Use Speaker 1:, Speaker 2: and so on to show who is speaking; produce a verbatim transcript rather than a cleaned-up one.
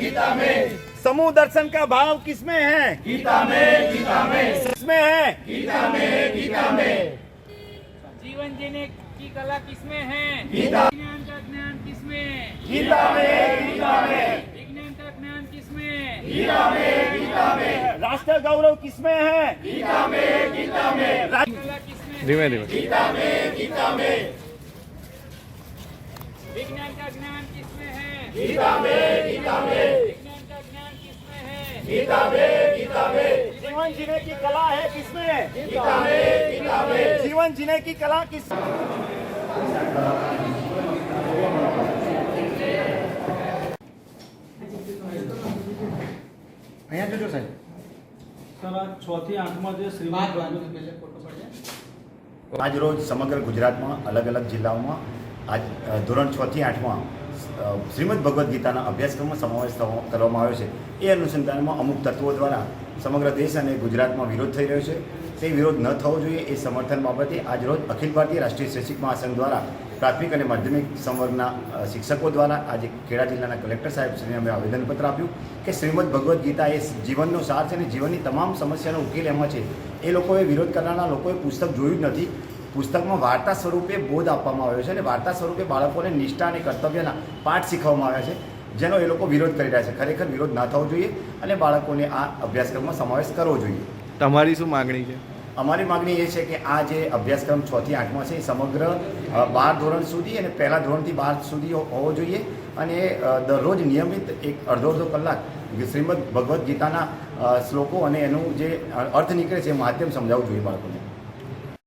Speaker 1: गीता में।
Speaker 2: समूह दर्शन का भाव किसमें है?
Speaker 1: गीता में, गीता में।
Speaker 2: किसमें है?
Speaker 1: गीता में, गीता में।
Speaker 3: जीवन जीने की कला किसमें है?
Speaker 1: गीता।
Speaker 3: विज्ञान का ज्ञान किसमें?
Speaker 1: गीता में, गीता में।
Speaker 3: विज्ञान का ज्ञान किसमें?
Speaker 1: गीता में, गीता में।
Speaker 2: राष्ट्र गौरव किसमें है?
Speaker 1: गीता में, गीता में।
Speaker 3: कला किसमें?
Speaker 4: धीमे धीमे
Speaker 1: गीता में, गीता में।
Speaker 3: विज्ञान का ज्ञान किसमें है?
Speaker 1: गीता में, गीता में।
Speaker 3: विज्ञान का ज्ञान किसमें है?
Speaker 1: गीता में, गीता में।
Speaker 2: जीवन जीने की कला है किसमें?
Speaker 1: गीता में, गीता में।
Speaker 2: जीवन जीने की कला किस
Speaker 5: અહીંયા જોજો સાહેબ
Speaker 6: સર આ છ થી આઠમાં જે શ્રીમદ
Speaker 7: આજ રોજ સમગ્ર ગુજરાતમાં અલગ અલગ જિલ્લાઓમાં આજ ધોરણ છ થી આઠમાં શ્રીમદ ભગવદ્ ગીતાના અભ્યાસક્રમમાં સમાવેશ થવા- કરવામાં આવ્યો છે. એ અનુસંધાનમાં અમુક તત્વો દ્વારા સમગ્ર દેશ અને ગુજરાતમાં વિરોધ થઈ રહ્યો છે. તે વિરોધ ન થવો જોઈએ એ સમર્થન બાબતે આજરોજ અખિલ ભારતીય રાષ્ટ્રીય શૈક્ષિક મહાસંઘ દ્વારા પ્રાથમિક અને માધ્યમિક સંવર્ગના શિક્ષકો દ્વારા આજે ખેડા જિલ્લાના કલેક્ટર સાહેબ શ્રીને અમે આવેદનપત્ર આપ્યું કે શ્રીમદ ભગવદ્ ગીતા એ જીવનનો સાર છે અને જીવનની તમામ સમસ્યાનો ઉકેલ એમાં છે. એ લોકોએ વિરોધ કરનારા લોકોએ પુસ્તક જોયું જ નથી. પુસ્તકમાં વાર્તા સ્વરૂપે બોધ આપવામાં આવ્યો છે અને વાર્તા સ્વરૂપે બાળકોને નિષ્ઠા અને કર્તવ્યના પાઠ શીખવવામાં આવ્યા છે, જેનો એ લોકો વિરોધ કરી રહ્યા છે. ખરેખર વિરોધ ના થવો જોઈએ અને બાળકોને આ અભ્યાસક્રમમાં સમાવેશ કરવો જોઈએ.
Speaker 4: તમારી શું માગણી છે?
Speaker 7: અમારી માગણી એ છે કે આ જે અભ્યાસક્રમ છ થી આઠમાં છે એ સમગ્ર બાર ધોરણ સુધી અને પહેલા ધોરણથી બાર સુધી હોવો જોઈએ અને દરરોજ નિયમિત એક અડધો અડધો કલાક શ્રીમદ ભગવદ્ ગીતાના શ્લોકો અને એનું જે અર્થ નીકળે છે એ માધ્યમ સમજાવવું જોઈએ બાળકોને.